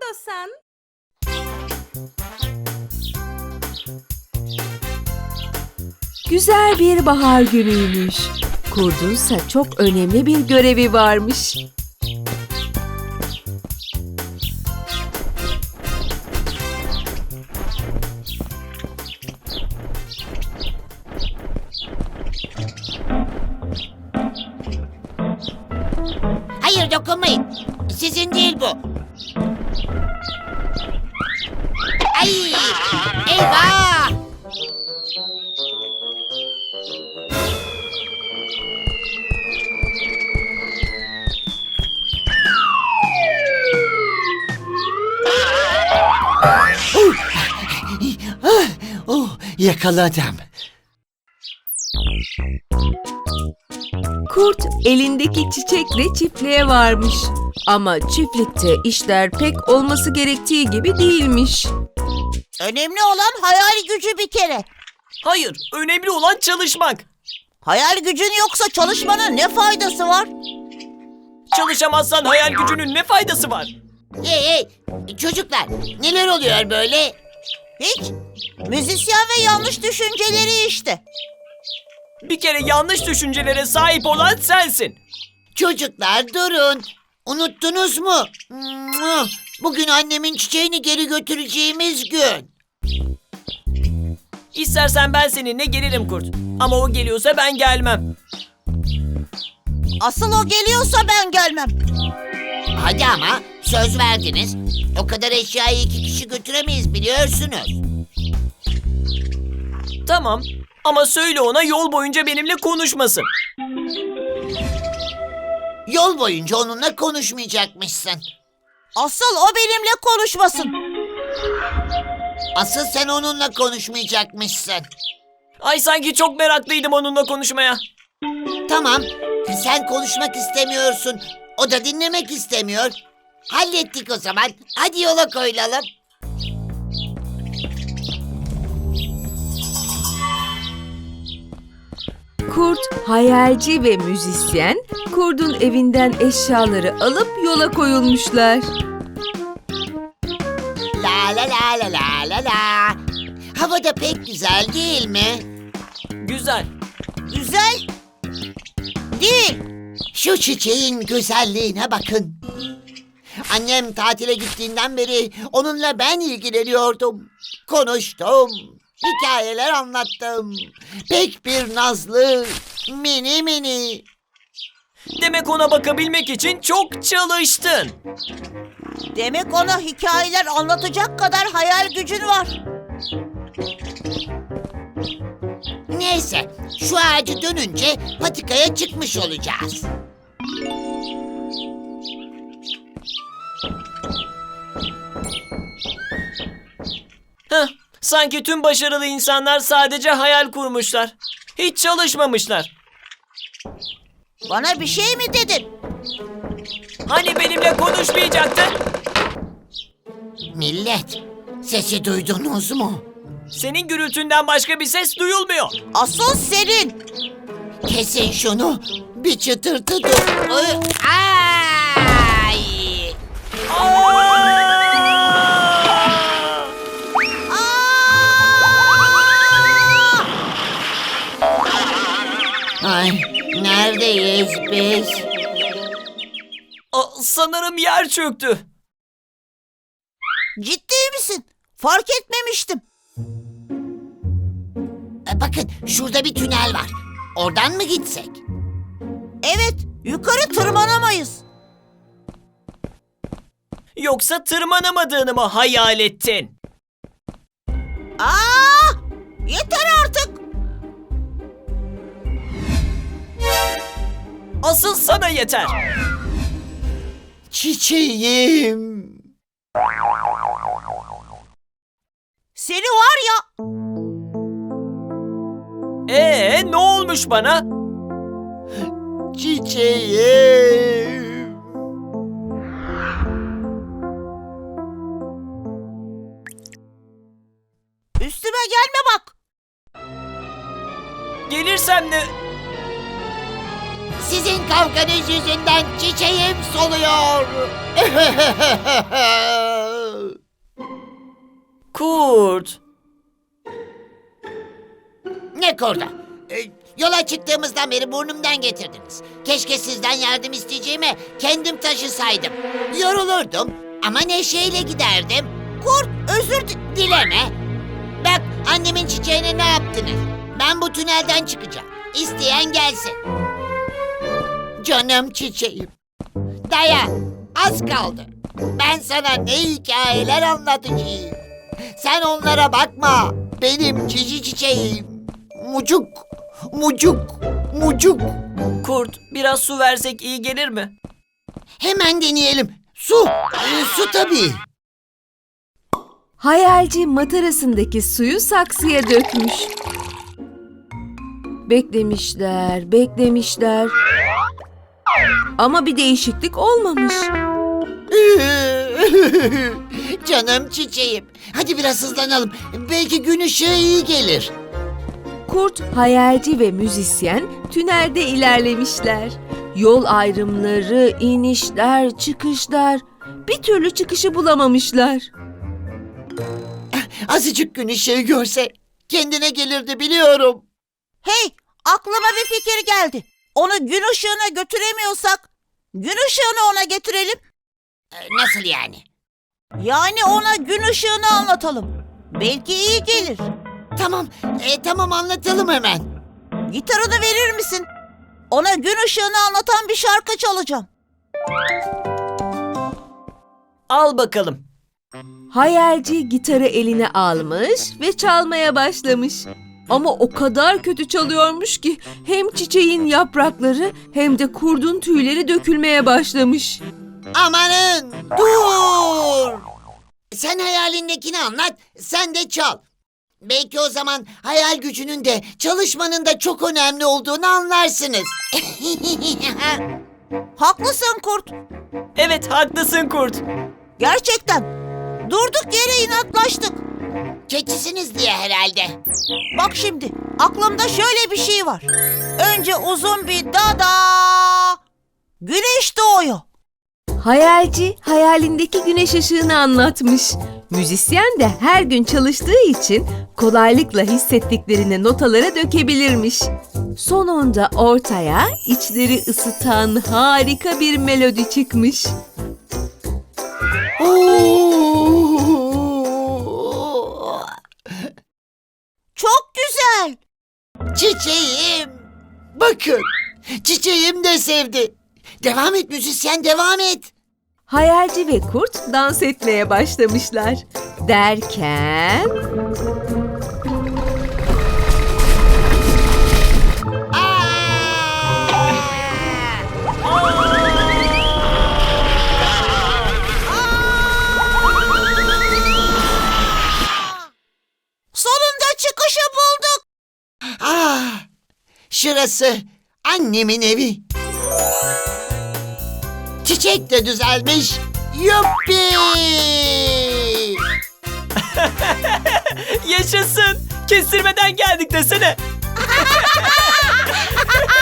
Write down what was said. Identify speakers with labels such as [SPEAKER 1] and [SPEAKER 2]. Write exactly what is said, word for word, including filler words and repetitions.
[SPEAKER 1] istiyorsan.
[SPEAKER 2] Güzel bir bahar günüymüş. Kurdunsa çok önemli bir görevi varmış.
[SPEAKER 3] Hayır, dokunmayın. Sizin değil bu. Ay! Eyvah!
[SPEAKER 4] Oh, yakaladım.
[SPEAKER 2] Kurt elindeki çiçekle çiftliğe varmış. Ama çiftlikte işler pek olması gerektiği gibi değilmiş.
[SPEAKER 3] Önemli olan hayal gücü bir kere.
[SPEAKER 5] Hayır, önemli olan çalışmak.
[SPEAKER 3] Hayal gücün yoksa çalışmanın ne faydası var?
[SPEAKER 5] Çalışamazsan hayal gücünün ne faydası var?
[SPEAKER 3] Hey hey! Çocuklar, neler oluyor böyle? Hiç. Müzisyen ve yanlış düşünceleri işte.
[SPEAKER 5] Bir kere yanlış düşüncelere sahip olan sensin.
[SPEAKER 3] Çocuklar durun. Unuttunuz mu? Bugün annemin çiçeğini geri götüreceğimiz gün.
[SPEAKER 5] İstersen ben seninle gelirim Kurt. Ama o geliyorsa ben gelmem.
[SPEAKER 3] Asıl o geliyorsa ben gelmem. Hadi ama söz verdiniz. O kadar eşyayı iki kişi götüremeyiz biliyorsunuz.
[SPEAKER 5] Tamam ama söyle ona yol boyunca benimle konuşmasın.
[SPEAKER 3] Yol boyunca onunla konuşmayacakmışsın. Asıl o benimle konuşmasın. Asıl sen onunla konuşmayacakmışsın.
[SPEAKER 5] Ay sanki çok meraklıydım onunla konuşmaya.
[SPEAKER 3] Tamam, sen konuşmak istemiyorsun. O da dinlemek istemiyor. Hallettik o zaman. Hadi yola koyulalım.
[SPEAKER 2] Kurt, hayalci ve müzisyen, kurdun evinden eşyaları alıp yola koyulmuşlar.
[SPEAKER 3] La la la la la la la. Hava da pek güzel değil mi?
[SPEAKER 5] Güzel.
[SPEAKER 3] Güzel. Değil. Şu çiçeğin güzelliğine bakın. Annem tatile gittiğinden beri onunla ben ilgileniyordum. Konuştum. Hikayeler anlattım. Pek bir nazlı, mini mini.
[SPEAKER 5] Demek ona bakabilmek için çok çalıştın.
[SPEAKER 3] Demek ona hikayeler anlatacak kadar hayal gücün var. Neyse, şu ağacı dönünce patikaya çıkmış olacağız.
[SPEAKER 5] Heh, sanki tüm başarılı insanlar sadece hayal kurmuşlar. Hiç çalışmamışlar.
[SPEAKER 3] Bana bir şey mi dedin?
[SPEAKER 5] Hani benimle konuşmayacaktın?
[SPEAKER 3] Millet, sesi duydunuz mu?
[SPEAKER 5] Senin gürültünden başka bir ses duyulmuyor.
[SPEAKER 3] Asıl senin. Kesin şunu. Bir çıtırtı dur. Ay!
[SPEAKER 5] Aa!
[SPEAKER 3] Ay, neredeyiz biz?
[SPEAKER 5] Aa, sanırım yer çöktü.
[SPEAKER 3] Ciddi misin? Fark etmemiştim. E, bakın, şurada bir tünel var. Oradan mı gitsek? Evet, yukarı tırmanamayız.
[SPEAKER 5] Yoksa tırmanamadığını mı hayal ettin?
[SPEAKER 3] Aa! Yeter artık.
[SPEAKER 5] Asıl sana yeter.
[SPEAKER 4] Çiçeğim.
[SPEAKER 3] Seni var ya.
[SPEAKER 5] Ee, ne olmuş bana?
[SPEAKER 4] Çiçeğim.
[SPEAKER 3] Üstüme gelme bak.
[SPEAKER 5] Gelirsem de...
[SPEAKER 3] Sizin kavganız yüzünden çiçeğim soluyor.
[SPEAKER 5] Kurt.
[SPEAKER 3] Ne korda? Ee, yola çıktığımızdan beri burnumdan getirdiniz. Keşke sizden yardım isteyeceğime kendim taşısaydım. Yorulurdum ama neşeyle giderdim. Kurt, özür di- dileme. Bak, annemin çiçeğine ne yaptınız? Ben bu tünelden çıkacağım. İsteyen gelsin. Canım çiçeğim. Dayan, az kaldı. Ben sana ne hikayeler anlatacağım. Sen onlara bakma. Benim cici çiçeğim. Mucuk, mucuk, mucuk.
[SPEAKER 5] Kurt, biraz su versek iyi gelir mi?
[SPEAKER 3] Hemen deneyelim. Su, ee, su tabii.
[SPEAKER 2] Hayalci matarasındaki suyu saksıya dökmüş. Beklemişler, beklemişler. Ama bir değişiklik olmamış.
[SPEAKER 3] Canım çiçeğim. Hadi biraz hızlanalım. Belki gün ışığı iyi gelir.
[SPEAKER 2] Kurt, hayalci ve müzisyen tünelde ilerlemişler. Yol ayrımları, inişler, çıkışlar. Bir türlü çıkışı bulamamışlar.
[SPEAKER 3] Azıcık gün ışığı görse kendine gelirdi biliyorum.
[SPEAKER 1] Hey, aklıma bir fikir geldi. Onu gün ışığına götüremiyorsak, gün ışığını ona getirelim.
[SPEAKER 3] Ee, Nasıl yani?
[SPEAKER 1] Yani ona gün ışığını anlatalım. Belki iyi gelir.
[SPEAKER 3] Tamam, e, tamam anlatalım hemen.
[SPEAKER 1] Gitarını verir misin? Ona gün ışığını anlatan bir şarkı çalacağım.
[SPEAKER 5] Al bakalım.
[SPEAKER 2] Hayalci gitarı eline almış ve çalmaya başlamış. Ama o kadar kötü çalıyormuş ki hem çiçeğin yaprakları hem de kurdun tüyleri dökülmeye başlamış.
[SPEAKER 3] Amanın dur! Sen hayalindekini anlat, sen de çal. Belki o zaman hayal gücünün de çalışmanın da çok önemli olduğunu anlarsınız.
[SPEAKER 1] Haklısın Kurt.
[SPEAKER 5] Evet, haklısın Kurt.
[SPEAKER 1] Gerçekten. Durduk yere inatlaştık.
[SPEAKER 3] Keçisiniz diye herhalde.
[SPEAKER 1] Bak şimdi, aklımda şöyle bir şey var. Önce uzun bir dada. Güneş doğuyor.
[SPEAKER 2] Hayalci hayalindeki güneş ışığını anlatmış. Müzisyen de her gün çalıştığı için kolaylıkla hissettiklerini notalara dökebilirmiş. Sonunda ortaya içleri ısıtan harika bir melodi çıkmış.
[SPEAKER 3] Oo!
[SPEAKER 1] Çok güzel.
[SPEAKER 3] Çiçeğim. Bakın, çiçeğim de sevdi. Devam et müzisyen, devam et.
[SPEAKER 2] Hayalci ve kurt dans etmeye başlamışlar. Derken
[SPEAKER 3] Aa!
[SPEAKER 1] Sonunda çıkışı bulduk.
[SPEAKER 3] Ah! Şurası annemin evi. Çiçek de düzelmiş. Yuppi!
[SPEAKER 5] Yaşasın. Kestirmeden geldik desene.